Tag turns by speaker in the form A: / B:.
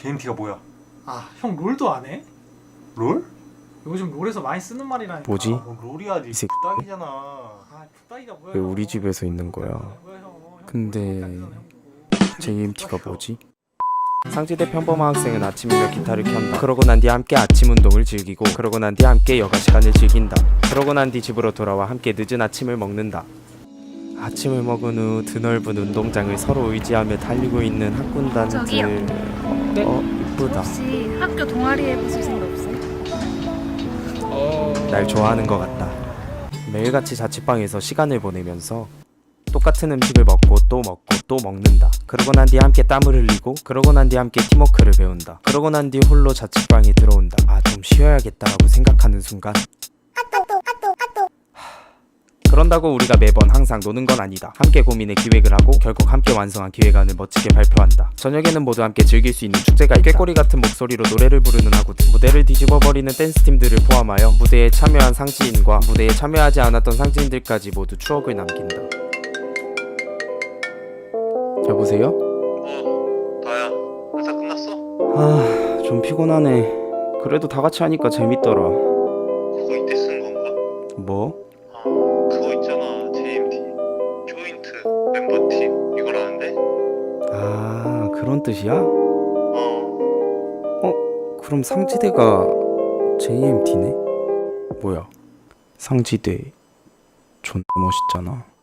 A: JMT가 뭐야?
B: 아, 형 롤도 안 해?
A: 롤?
B: 요즘 롤에서 많이 쓰는 말이라니까.
C: 뭐지?
A: 뭐 롤이야, 니
C: 이 새끼
A: 부딱이잖아.
B: 아, 부따기가 뭐야?
C: 왜
B: 형.
C: 우리 집에서 있는 거야?
B: 뭐야, 형. 형
C: 근데
B: 롤도 못하잖아, 형 보고.
C: JMT가 뭐지? 상지대 평범한 학생은 아침이면 기타를 켠다. 그러고 난 뒤 함께 아침 운동을 즐기고, 그러고 난 뒤 함께 여가 시간을 즐긴다. 그러고 난 뒤 집으로 돌아와 함께 늦은 아침을 먹는다. 아침을 먹은 후 드넓은 운동장을 서로 의지하며 달리고 있는 학군단들.
D: 저기요.
C: 이쁘다.
D: 혹시 학교 동아리 해보실 생각 없어요?
C: 날 좋아하는 것 같다. 매일같이 자취방에서 시간을 보내면서 똑같은 음식을 먹고 또 먹고 또 먹는다. 그러고 난 뒤 함께 땀을 흘리고, 그러고 난 뒤 함께 팀워크를 배운다. 그러고 난 뒤 홀로 자취방에 들어온다. 아, 좀 쉬어야겠다라고 생각하는 순간 그런다고 우리가 매번 항상 노는 건 아니다. 함께 고민해 기획을 하고 결국 함께 완성한 기획안을 멋지게 발표한다. 저녁에는 모두 함께 즐길 수 있는 축제가 있다. 꾀꼬리 같은 목소리로 노래를 부르는 하구들, 무대를 뒤집어버리는 댄스팀들을 포함하여 무대에 참여한 상지인과 무대에 참여하지 않았던 상지인들까지 모두 추억을 남긴다. 여보세요?
A: 나야. 회사 끝났어?
C: 아, 좀 피곤하네. 그래도 다 같이 하니까 재밌더라.
A: 그거 이때 쓴 건가?
C: 뭐?
A: 그거 있잖아, JMT. 조인트 멤버팀 이거라는데?
C: 아, 그런 뜻이야?
A: 어.
C: 그럼 상지대가 JMT네? 뭐야, 상지대 존나 멋있잖아.